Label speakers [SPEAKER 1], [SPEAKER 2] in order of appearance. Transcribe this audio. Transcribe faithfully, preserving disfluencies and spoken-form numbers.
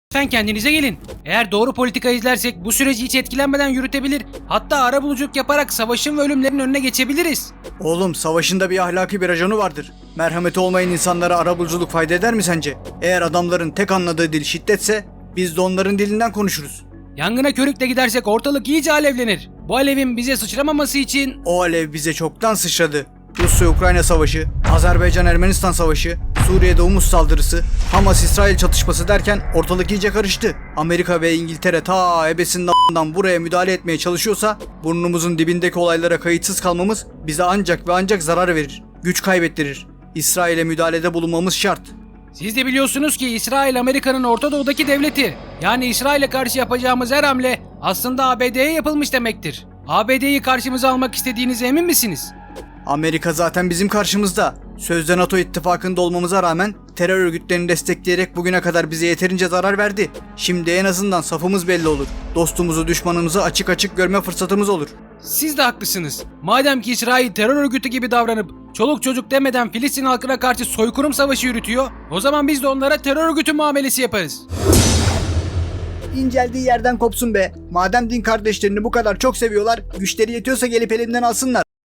[SPEAKER 1] Lütfen kendinize gelin. Eğer doğru politika izlersek bu süreci hiç etkilenmeden yürütebilir, hatta arabuluculuk yaparak savaşın ve ölümlerin önüne geçebiliriz.
[SPEAKER 2] Oğlum, savaşın da bir ahlaki bir raconu vardır. Merhameti olmayan insanlara arabuluculuk fayda eder mi sence? Eğer adamların tek anladığı dil şiddetse biz de onların dilinden konuşuruz.
[SPEAKER 1] Yangına körükle gidersek ortalık iyice alevlenir. Bu alevin bize sıçramaması için...
[SPEAKER 2] O alev bize çoktan sıçradı. Rusya-Ukrayna savaşı, Azerbaycan-Ermenistan savaşı, Suriye'de Humus saldırısı, Hamas-İsrail çatışması derken ortalık iyice karıştı. Amerika ve İngiltere ta ebesinden a**dan buraya müdahale etmeye çalışıyorsa burnumuzun dibindeki olaylara kayıtsız kalmamız bize ancak ve ancak zarar verir, güç kaybettirir. İsrail'e müdahalede bulunmamız şart.
[SPEAKER 1] Siz de biliyorsunuz ki İsrail Amerika'nın Orta Doğu'daki devleti. Yani İsrail'e karşı yapacağımız her hamle aslında A B D'ye yapılmış demektir. A B D'yi karşımıza almak istediğinize emin misiniz?
[SPEAKER 2] Amerika zaten bizim karşımızda. Sözde NATO ittifakında olmamıza rağmen terör örgütlerini destekleyerek bugüne kadar bize yeterince zarar verdi. Şimdi en azından safımız belli olur. Dostumuzu, düşmanımızı açık açık görme fırsatımız olur.
[SPEAKER 1] Siz de haklısınız. Madem ki İsrail terör örgütü gibi davranıp çoluk çocuk demeden Filistin halkına karşı soykırım savaşı yürütüyor, o zaman biz de onlara terör örgütü muamelesi yaparız.
[SPEAKER 2] İnceldiği yerden kopsun be. Madem din kardeşlerini bu kadar çok seviyorlar, güçleri yetiyorsa gelip elimden alsınlar.